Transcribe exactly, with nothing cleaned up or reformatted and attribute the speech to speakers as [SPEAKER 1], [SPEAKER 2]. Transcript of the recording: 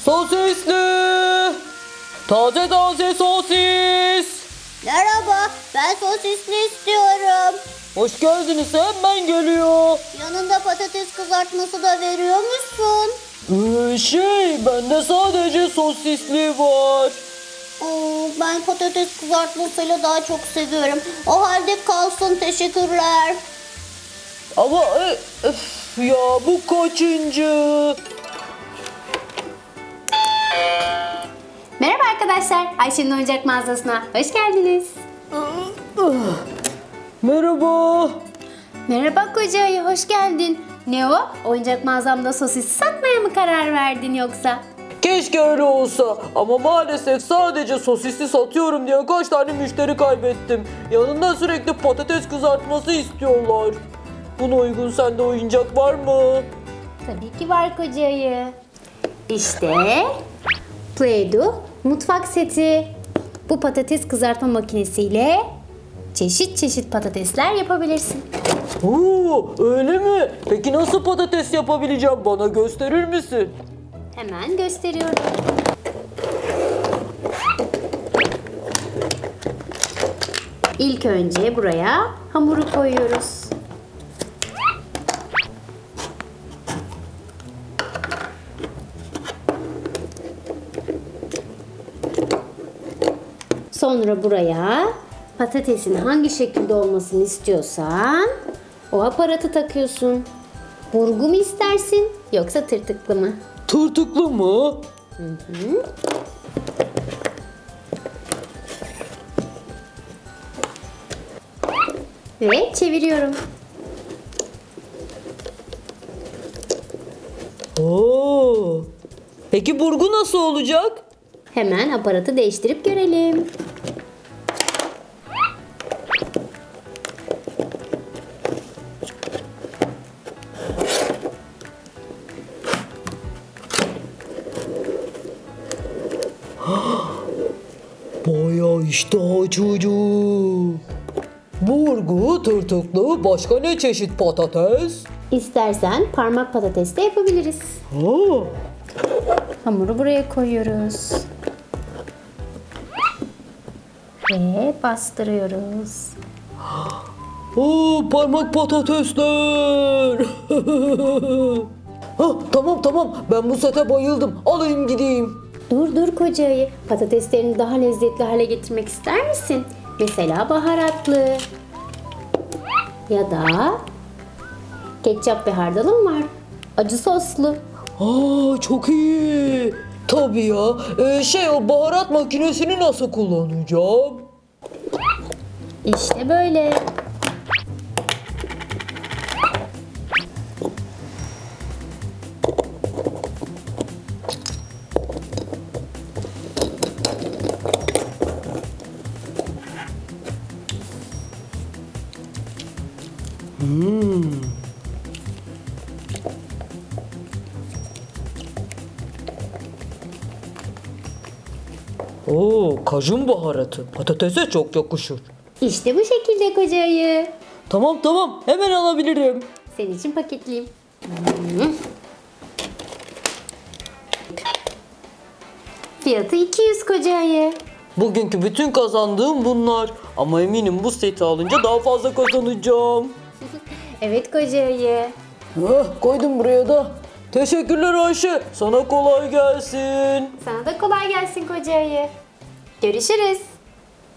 [SPEAKER 1] Sosisli! Taze taze sosis!
[SPEAKER 2] Merhaba, ben sosisli istiyorum.
[SPEAKER 1] Hoş geldiniz, hemen geliyor.
[SPEAKER 2] Yanında patates kızartması da veriyor musun?
[SPEAKER 1] Ee, şey, bende sadece sosisli var.
[SPEAKER 2] Oo, ben patates kızartmasıyla daha çok seviyorum. O halde kalsın, teşekkürler.
[SPEAKER 1] Ama e, öf, ya bu kaçıncı?
[SPEAKER 3] Merhaba arkadaşlar, Ayşe'nin oyuncak mağazasına hoş geldiniz.
[SPEAKER 1] Merhaba.
[SPEAKER 3] Merhaba koca ayı, hoş geldin. Ne o? Oyuncak mağazamda sosis satmaya mı karar verdin yoksa?
[SPEAKER 1] Keşke öyle olsa ama maalesef sadece sosisli satıyorum diye kaç tane müşteri kaybettim. Yanında sürekli patates kızartması istiyorlar. Buna uygun sende oyuncak var mı?
[SPEAKER 3] Tabii ki var koca ayı. İşte Play-Doh mutfak seti. Bu patates kızartma makinesiyle çeşit çeşit patatesler yapabilirsin.
[SPEAKER 1] Oo, öyle mi? Peki nasıl patates yapabileceğim? Bana gösterir misin?
[SPEAKER 3] Hemen gösteriyorum. İlk önce buraya hamuru koyuyoruz. Sonra buraya patatesin hangi şekilde olmasını istiyorsan o aparatı takıyorsun. Burgu mu istersin yoksa tırtıklı mı?
[SPEAKER 1] Tırtıklı mı?
[SPEAKER 3] Ve çeviriyorum.
[SPEAKER 1] Oo. Peki burgu nasıl olacak?
[SPEAKER 3] Hemen aparatı değiştirip görelim.
[SPEAKER 1] Bayağı iştah açıcı. Burgu, tırtıklı, başka ne çeşit patates?
[SPEAKER 3] İstersen parmak patates de yapabiliriz.
[SPEAKER 1] Oo.
[SPEAKER 3] Hamuru buraya koyuyoruz. Ve bastırıyoruz.
[SPEAKER 1] Oo, parmak patatesler. Hah, tamam tamam, ben bu sete bayıldım. Alayım gideyim.
[SPEAKER 3] Dur dur koca ayı. Patateslerini daha lezzetli hale getirmek ister misin? Mesela baharatlı. Ya da ketçap ve hardalım var. Acı soslu.
[SPEAKER 1] Aa, çok iyi. Tabii ya. Ee, şey o baharat makinesini nasıl kullanacağım?
[SPEAKER 3] İşte böyle.
[SPEAKER 1] Oo, kajun baharatı. Patatese çok yakışır.
[SPEAKER 3] İşte bu şekilde koca ayı.
[SPEAKER 1] Tamam tamam, hemen alabilirim.
[SPEAKER 3] Senin için paketleyeyim. Hmm. Fiyatı iki yüz koca ayı.
[SPEAKER 1] Bugünkü bütün kazandığım bunlar. Ama eminim bu seti alınca daha fazla kazanacağım.
[SPEAKER 3] Evet koca ayı.
[SPEAKER 1] Hah, koydum buraya da. Teşekkürler Ayşe. Sana kolay gelsin.
[SPEAKER 3] Sana da kolay gelsin koca ayı. Görüşürüz.